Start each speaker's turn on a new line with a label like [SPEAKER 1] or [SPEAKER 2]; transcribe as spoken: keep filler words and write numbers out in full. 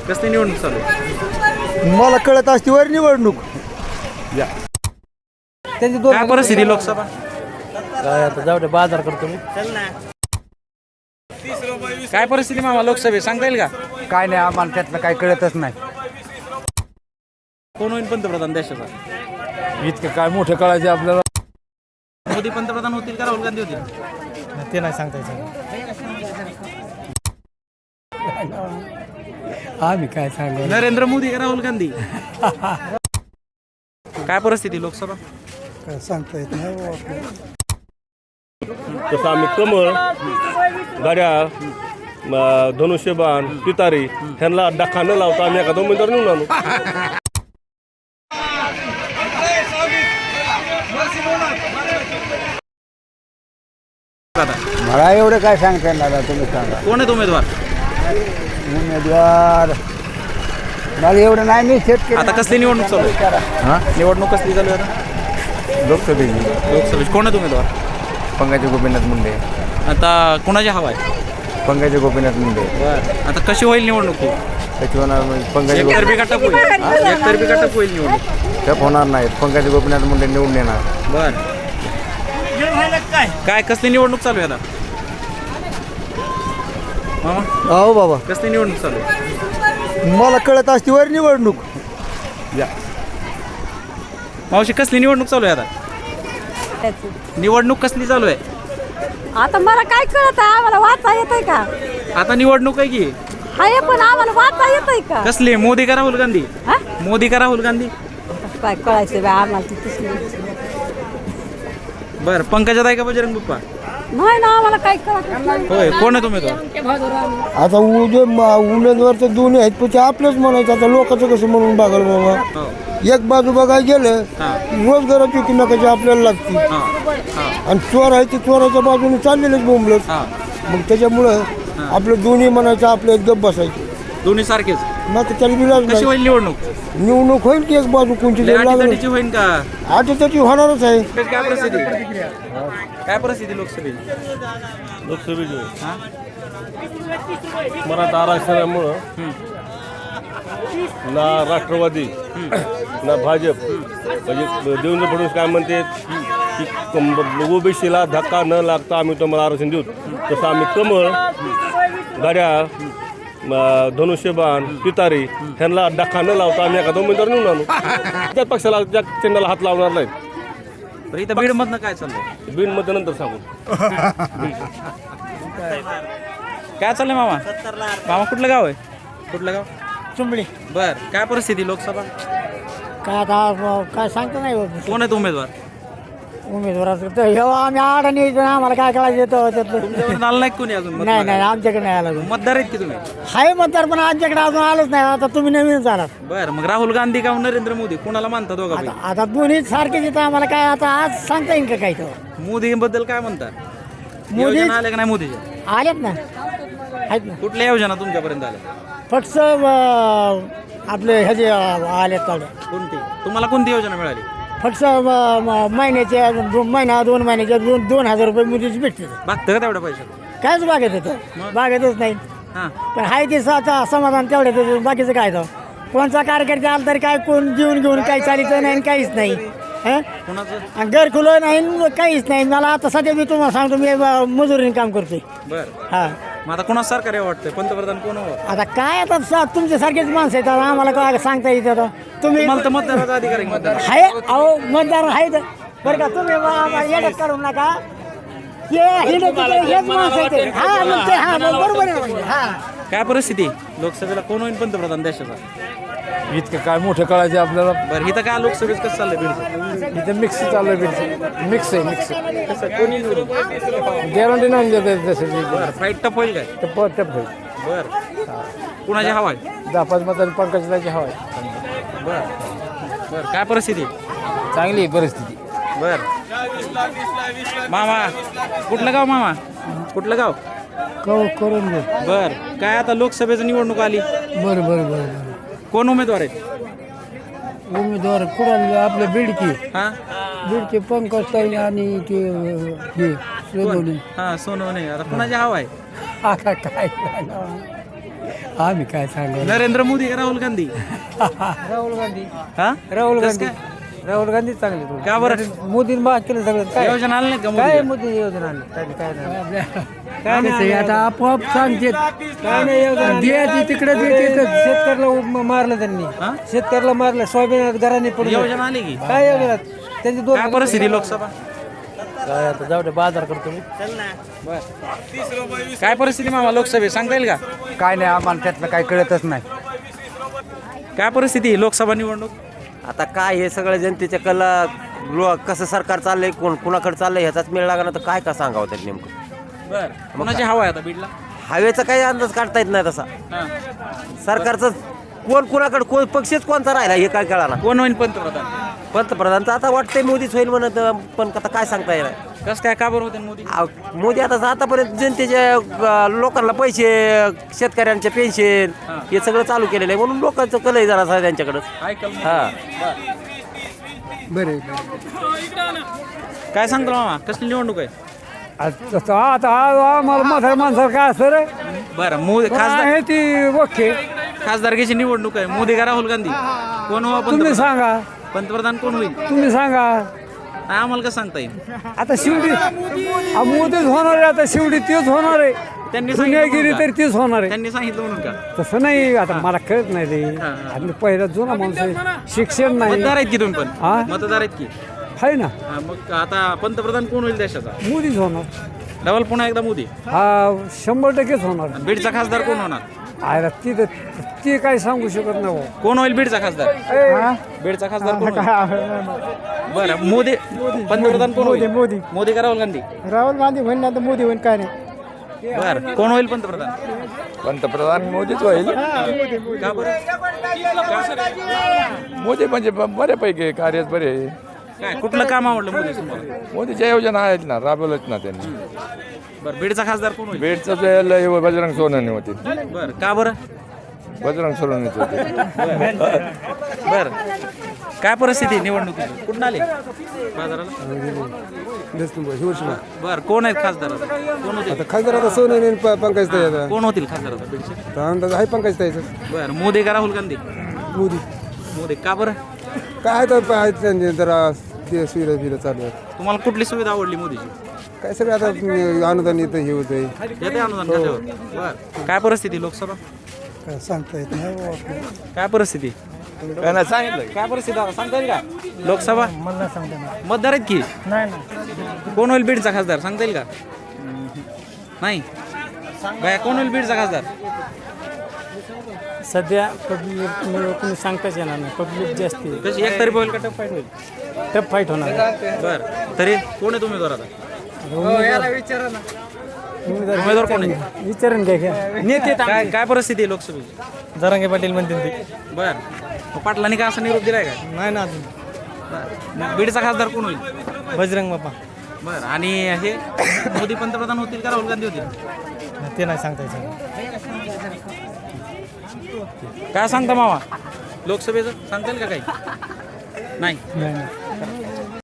[SPEAKER 1] कसली निवडणूक चालू आहे?
[SPEAKER 2] मला कळत असते वर निवडणूक
[SPEAKER 1] त्यांची काय परिस्थिती लोकसभा?
[SPEAKER 2] काय आता जाऊ दे बाजार करतो मी.
[SPEAKER 1] काय परिस्थिती मामा लोकसभेत सांगता येईल का?
[SPEAKER 2] काय नाही आम्हाला त्यातलं काय कळतच नाही.
[SPEAKER 1] कोण होईल पंतप्रधान देशाचा?
[SPEAKER 2] इतकं काय मोठं कळायचं आपल्याला.
[SPEAKER 1] मोदी पंतप्रधान होतील का राहुल गांधी होतील?
[SPEAKER 2] ते नाही सांगता येतं. आम्ही काय सांगू
[SPEAKER 1] नरेंद्र मोदी का राहुल गांधी? काय परिस्थिती लोकसभा?
[SPEAKER 2] काय सांगता येत नाही.
[SPEAKER 3] तसं आम्ही कमळ, घड्याळ, धनुष्यबाण, पितारी ह्यांना डखा न लावता आम्ही एखादा उमेदवार निवडून आणू.
[SPEAKER 2] मला एवढं काय सांगता येणार तुम्ही सांगा.
[SPEAKER 1] कोण आहेत उमेदवार?
[SPEAKER 2] उमेदवार मला एवढं नाही. मी शेतकरी.
[SPEAKER 1] आता कसली निवडणूक चालू आहे? निवडणूक कसली चालू आहे आता?
[SPEAKER 2] लोकसभेची
[SPEAKER 1] लोकसभेची कोण आहेत उमेदवार?
[SPEAKER 2] पंकज गोपीनाथ मुंडे.
[SPEAKER 1] आता कुणाची हवा आहे?
[SPEAKER 2] पंकज गोपीनाथ मुंडे.
[SPEAKER 1] बरं, आता कशी होईल निवडणूक ही?
[SPEAKER 2] त्याची होणार पंकज
[SPEAKER 1] एकतर्फी का टप होईल? एकतर्फी का टप होईल निवडणूक?
[SPEAKER 2] टप होणार नाही. पंकज गोपीनाथ मुंडे निवडून येणार.
[SPEAKER 1] बर, काय कसली निवडणूक चालू आहे आता मामा?
[SPEAKER 2] हो बाबा
[SPEAKER 1] कसली निवडणूक चालू आहे?
[SPEAKER 2] मला कळत असते वर निवडणूक.
[SPEAKER 1] मावशी कसली निवडणूक चालू आहे आता? निवडणूक कसली चालू आहे
[SPEAKER 4] आता? मला काय कळत आहे? आम्हाला वाचा येतंय का?
[SPEAKER 1] आता? निवडणूक आहे की
[SPEAKER 4] आहे पण आम्हाला वाचा येतंय का?
[SPEAKER 1] कसली? मोदी का राहुल गांधी?
[SPEAKER 4] हा?
[SPEAKER 1] मोदी का राहुल गांधी?
[SPEAKER 4] आता काय कळायचं बा आम्हाला तिथेच
[SPEAKER 1] बर, पंकजाताई का बजरंग बाप्पा?
[SPEAKER 4] नाही ना आम्हाला काय कळत नाही.
[SPEAKER 1] होय, कोण आहे उमेदवार?
[SPEAKER 2] आता उद्या उमेदवार तर दोन्ही आहेत पण ते आपलंच म्हणायचं. आता लोकांचं कसं म्हणून बघाल बाबा.
[SPEAKER 1] हो.
[SPEAKER 2] एक बाजू बघायला गेलं
[SPEAKER 1] हा.
[SPEAKER 2] रोजगाराची की नकाची आपल्याला लागते.
[SPEAKER 1] हा, हा,
[SPEAKER 2] आणि चोर आहे ते चोराच्या बाजूने चाललेलेच बोंबलत.
[SPEAKER 1] हा.
[SPEAKER 2] मग त्याच्यामुळं आपलं दोन्ही म्हणायचं आपलं एकदम बसायचं.
[SPEAKER 1] दोन्ही सारखेच.
[SPEAKER 2] मग तर त्याला विलाज
[SPEAKER 1] कशी
[SPEAKER 2] नाही.
[SPEAKER 1] होईल निवडणूक?
[SPEAKER 2] निवडणूक होईल की एक बाजू कोणती
[SPEAKER 1] लय
[SPEAKER 2] तरी लागली.
[SPEAKER 1] अटीतटीची होईल का?
[SPEAKER 2] आठ त्याची होणारच आहे.
[SPEAKER 1] काय परिस्थिती? काय परिस्थिती लोकसभेची?
[SPEAKER 3] लोकसभेचे
[SPEAKER 1] हा?
[SPEAKER 3] मराठा आरक्षणामुळं
[SPEAKER 1] हम्म.
[SPEAKER 3] ना राष्ट्रवादी ना भाजप म्हणजे देवेंद्र फडणवीस काय म्हणते की ओबीसीला धक्का न लागता आम्ही तुम्हाला आरक्षण देऊ. तसं आम्ही कमळ, घड्याळ, धनुष्यबाण, पितारी ह्यांना डखा न लावता आम्ही एखादा उमेदवार निवडून आणू. त्या पक्षाला त्या चिन्हाला हात लावणार नाहीत.
[SPEAKER 1] तर इथं बीड मधनं काय चाललंय?
[SPEAKER 3] बिन मध्ये नंतर सांगू.
[SPEAKER 1] काय चाललंय मामा? मामा कुठलं गाव आहे? कुठलं गाव?
[SPEAKER 2] चुंबळी.
[SPEAKER 1] बर, काय परिस्थिती लोकसभा?
[SPEAKER 2] काय आता काय सांगता नाही
[SPEAKER 1] कोण आहेत उमेदवार?
[SPEAKER 2] उमेदवाराचं तर हे आम्ही आडाणी आम्हाला काय करायचं येतं त्यातलं.
[SPEAKER 1] तुमच्याकडे आलं नाही कोणी अजून?
[SPEAKER 2] नाही नाही आमच्याकडे नाही आलं.
[SPEAKER 1] मतदार आहेत की तुम्ही?
[SPEAKER 2] हाय मतदार पण आमच्याकडे अजून आलंच नाही. आता तुम्ही नवीनच आलात.
[SPEAKER 1] बर, मग राहुल गांधी का नरेंद्र मोदी कोणाला मानता दोघा?
[SPEAKER 2] आता आता दोन्ही सारखेच येतं आम्हाला काय आता आज सांगता येईल का काही तर.
[SPEAKER 1] मोदी बद्दल काय म्हणतात?
[SPEAKER 2] मोदी
[SPEAKER 1] योजना आल्या का नाही मोदीच्या?
[SPEAKER 2] आलेत ना आहेत ना.
[SPEAKER 1] कुठल्या योजना तुमच्यापर्यंत आल्या?
[SPEAKER 2] फक्त आपले ह्याचे आलेत काढे.
[SPEAKER 1] कोणती? तुम्हाला कोणती योजना मिळाली?
[SPEAKER 2] फक्त महिन्याचे दोन महिना दोन महिन्याचे दोन दोन हजार रुपये मुलीची भेटते.
[SPEAKER 1] बघतं का तेवढ्या पैशात?
[SPEAKER 2] कायच बागेत येतं बागेतच नाही.
[SPEAKER 1] हा,
[SPEAKER 2] पण हाय ते स्वतः समाधान तेवढ्याच बाकीचं काय तर. कोणचा कार्यकर्ता आला तरी काय कोण जेवून घेऊन काही चालीचं नाही काहीच नाही. हं
[SPEAKER 1] कोणाचं?
[SPEAKER 2] आणि घर खुलं नाही काहीच नाही. मला आता सध्या मी तुम्हाला सांगतो मी मजुरीने काम करतोय.
[SPEAKER 1] बर,
[SPEAKER 2] हा
[SPEAKER 1] मग आता कोणाच सरकार यावं वाटतंय? पंतप्रधान कोण हवं?
[SPEAKER 2] आता काय आता सा- तुमच्यासारखेच माणसं आहेत. आता आम्हाला काय सांगता येतं आता. तुम्ही
[SPEAKER 1] मला तर मतदाराचा अधिकार आहे. मतदार
[SPEAKER 2] हाय अहो मतदार आहेत बरं का. तुम्ही येडत करू नका. हे हिंडत होते, हेच माणसं आहेत. हा मग ते हा मग बरोबर आहे. हा
[SPEAKER 1] काय परिस्थिती लोकसभेला कोण होईल पंतप्रधान देशाचा?
[SPEAKER 2] इतकं काय मोठं कळायचं आपल्याला.
[SPEAKER 1] बरं, इथं काय लोकसभेत कसं चाललंय बीडचं?
[SPEAKER 2] इथं मिक्स चालू आहे. मिक्स आहे मिक्स
[SPEAKER 1] कसं कोणी निवडून?
[SPEAKER 2] गॅरंटी नाही देत जसं
[SPEAKER 1] बरं, फाईट टप होईल काय?
[SPEAKER 2] टप टप
[SPEAKER 1] बर, कुणाची हवा आहे?
[SPEAKER 2] दहा पाच मतांनी पंकजाची हवा आहे.
[SPEAKER 1] बर बर, काय परिस्थिती?
[SPEAKER 2] चांगली आहे परिस्थिती.
[SPEAKER 1] बर, मामा कुठलं गाव? मामा कुठलं गाव?
[SPEAKER 2] करून घे.
[SPEAKER 1] बर, काय आता लोकसभेची निवडणूक आली,
[SPEAKER 2] बरं बरं बरं
[SPEAKER 1] कोण उमेदवार आहेत?
[SPEAKER 2] उमेदवार कुणाल आपले बिडकी
[SPEAKER 1] हा,
[SPEAKER 2] बिडकी पंकज ताई आणि ते हे सोनवणे.
[SPEAKER 1] हा सोनवणे. आता कुणाची हवा आहे?
[SPEAKER 2] आता काय आम्ही काय सांगू
[SPEAKER 1] नरेंद्र मोदी का राहुल गांधी
[SPEAKER 2] राहुल गांधी
[SPEAKER 1] हा
[SPEAKER 2] राहुल
[SPEAKER 1] कसं
[SPEAKER 2] गांधी
[SPEAKER 1] काय?
[SPEAKER 2] राहुल गांधी चांगले
[SPEAKER 1] का बरं
[SPEAKER 2] मोदीने बा केलं सगळं काय
[SPEAKER 1] योजना आली नाही का
[SPEAKER 2] काय
[SPEAKER 1] मोदी
[SPEAKER 2] मोदी योजना आणली? काय काय नाही. काय नाही आता आपोआप सांगते काय नाही योजना द्यायची तिकडे शेतकऱ्याला उब- मारलं त्यांनी
[SPEAKER 1] हा?
[SPEAKER 2] शेतकऱ्याला मारलं सोयाबीन दराने पडलं
[SPEAKER 1] योजना आली की
[SPEAKER 2] काय योजना त्यांची दोन
[SPEAKER 1] काय परिस्थिती लोकसभा
[SPEAKER 2] काय आता जाऊ दे बाजार करतो मी
[SPEAKER 1] काय परिस्थिती मामा लोकसभेत सांगता येईल का
[SPEAKER 2] काय नाही आम्हाला त्यातलं काय कळतच नाही
[SPEAKER 1] काय परिस्थिती आहे लोकसभा निवडणूक
[SPEAKER 5] आता काय हे सगळं जनतेच्या कला लो कसं सरकार चाललंय कोण कुणाकडे चाललंय ह्याचाच मेळ लागला तर काय का सांगावं त्यात नेमकं
[SPEAKER 1] बर कोणाची हवा आहे आता बीडला
[SPEAKER 5] हवेचा काही अंदाज काढता येत नाही तसा
[SPEAKER 1] हा.
[SPEAKER 5] सरकारचं कोण कुणाकडे कोण पक्षच कोणता राहिला हे काय कळाला
[SPEAKER 1] कोण होईल पंतप्रधान
[SPEAKER 5] पंतप्रधान तर आता वाटतंय मोदीच होईल म्हणत पण आता काय सांगता येणार
[SPEAKER 1] कसं काय का बरं होते मोदी
[SPEAKER 5] आ, मोदी आता आतापर्यंत जनतेच्या अ, लोकांना पैसे शेतकऱ्यांचे पेन्शन
[SPEAKER 1] हा.
[SPEAKER 5] हे सगळं चालू केलेलं आहे म्हणून लोकांचं कलही जरा त्यांच्याकडं
[SPEAKER 1] ऐकल
[SPEAKER 5] हा
[SPEAKER 2] बरे
[SPEAKER 1] काय सांगतो मामा कसली निवडणूक आहे
[SPEAKER 2] आता आम्हाला म्हाताऱ्या माणसाला काय असतं रे
[SPEAKER 1] बरं मोदी खासदार
[SPEAKER 2] आहे ती ओके
[SPEAKER 1] खासदारकीची निवडणूक आहे मोदी का राहुल गांधी कोण हो
[SPEAKER 2] तुम्ही
[SPEAKER 1] पंतप्रधान
[SPEAKER 2] सांगा
[SPEAKER 1] पंतप्रधान कोण होईल
[SPEAKER 2] तुम्ही सांगा
[SPEAKER 1] नाही, आम्हाला कसं सांगता येईल
[SPEAKER 2] आता शिवडी आ, मोदीच होणार आहे आता शिवडी तीच होणार आहे
[SPEAKER 1] त्यांनी सांगितलं
[SPEAKER 2] पुण्यागिरी
[SPEAKER 1] म्हणून
[SPEAKER 2] तर
[SPEAKER 1] का?
[SPEAKER 2] तीच होणार आहे
[SPEAKER 1] त्यांनी सांगितलं म्हणून का
[SPEAKER 2] तसं नाही आता मला कळत नाही रे
[SPEAKER 1] हा.
[SPEAKER 2] आणि पहिला जुना माणूस आहे शिक्षण नाही
[SPEAKER 1] मतदार आहेत की तुम्ही पण
[SPEAKER 2] हा?
[SPEAKER 1] मतदार आहेत की
[SPEAKER 2] आहे ना
[SPEAKER 1] हा, मग आता पंतप्रधान कोण होईल देशाचा
[SPEAKER 2] मोदीच होणार
[SPEAKER 1] डबल पुन्हा एकदा मोदी
[SPEAKER 2] हा शंभर टक्केच होणार
[SPEAKER 1] आणि बीडचा खासदार कोण होणार
[SPEAKER 2] अरे ती तर ती काही सांगू शकत नाही भाऊ.
[SPEAKER 1] कोण होईल बीडचा खासदार
[SPEAKER 2] हा?
[SPEAKER 1] बीडचा खासदार कोण होईल? बरं मोदी पंतप्रधान कोण होईल
[SPEAKER 2] मोदी
[SPEAKER 1] मोदी का राहुल गांधी
[SPEAKER 2] राहुल गांधी होईल ना तर मोदी होईल काय नाही
[SPEAKER 1] बरं कोण होईल पंतप्रधान
[SPEAKER 6] पंतप्रधान मोदीच होईल
[SPEAKER 1] का बरं
[SPEAKER 6] मोदी म्हणजे ब- बऱ्यापैकी कार्य बरे आहे.
[SPEAKER 1] काय कुठलं काम आवडलं मोदी तुम्हाला
[SPEAKER 6] मोदीच्या योजना आहेत ना राबवल्याच ना त्यांनी
[SPEAKER 1] बरं बीडचा खासदार कोण होईल
[SPEAKER 6] बेडचं जे लय हे बजरंग सोनवणे होते
[SPEAKER 1] बरं का बरं
[SPEAKER 6] बजरंग सोनवणेच होते
[SPEAKER 1] बरं काय परिस्थिती निवडणुकीची कुठून आले बाजाराला बरं कोण आहेत खासदार आता? कोण होतील
[SPEAKER 7] खासदार आता सोनं पंकज ताई
[SPEAKER 1] कोण होतील खासदार आता बीडचे
[SPEAKER 7] अंदाज आहे पंकज ताईचं
[SPEAKER 1] बरं मोदी का राहुल गांधी
[SPEAKER 7] मोदी
[SPEAKER 1] मोदी का बरं
[SPEAKER 7] काय तर आहेत त्यांचे जरा ते सुविधा बिविधा चालू आहेत
[SPEAKER 1] तुम्हाला कुठली सुविधा आवडली मोदीची
[SPEAKER 7] काय सगळं आता अं, अनुदान येतं हे होतंय
[SPEAKER 1] येते अनुदान खात्यावर बरं काय परिस्थिती लोकसभा
[SPEAKER 7] काय सांगता येत नाही
[SPEAKER 1] काय परिस्थिती
[SPEAKER 6] काय नाही सांगितलं
[SPEAKER 1] काय परिस्थिती आता सांगता येईल का लोकसभा मतदार आहेत की कोण होईल बीडचा खासदार सांगता येईल का नाही बाया कोण होईल बीडचा खासदार
[SPEAKER 2] सध्या पब्लिक कोणी सांगताच येणार नाही पब्लिक जास्त आहे.
[SPEAKER 1] कशी एक तरी होईल का टफ फाईट होईल
[SPEAKER 2] टफ फाईट होणार
[SPEAKER 1] बरं तरी कोण आहे उमेदवार आता
[SPEAKER 2] उमेदवार
[SPEAKER 1] उमेदवार कोण आहे
[SPEAKER 2] विचारून घ्या घ्या नेते
[SPEAKER 1] काय काय परिस्थिती आहे लोकसभेची
[SPEAKER 2] जरांगे पाटील म्हणते ते
[SPEAKER 1] बरं मग पाटलांनी का असा निरोप दिलाय का
[SPEAKER 2] नाही ना अजून
[SPEAKER 1] बरं मग बीडचा खासदार कोण होईल
[SPEAKER 2] बजरंग बाप्पा
[SPEAKER 1] बरं आणि हे मोदी पंतप्रधान होतील का राहुल गांधी होतील
[SPEAKER 2] ते नाही सांगता येतं
[SPEAKER 1] काय सांगता मामा लोकसभेचं सांगता येईल का काही नाही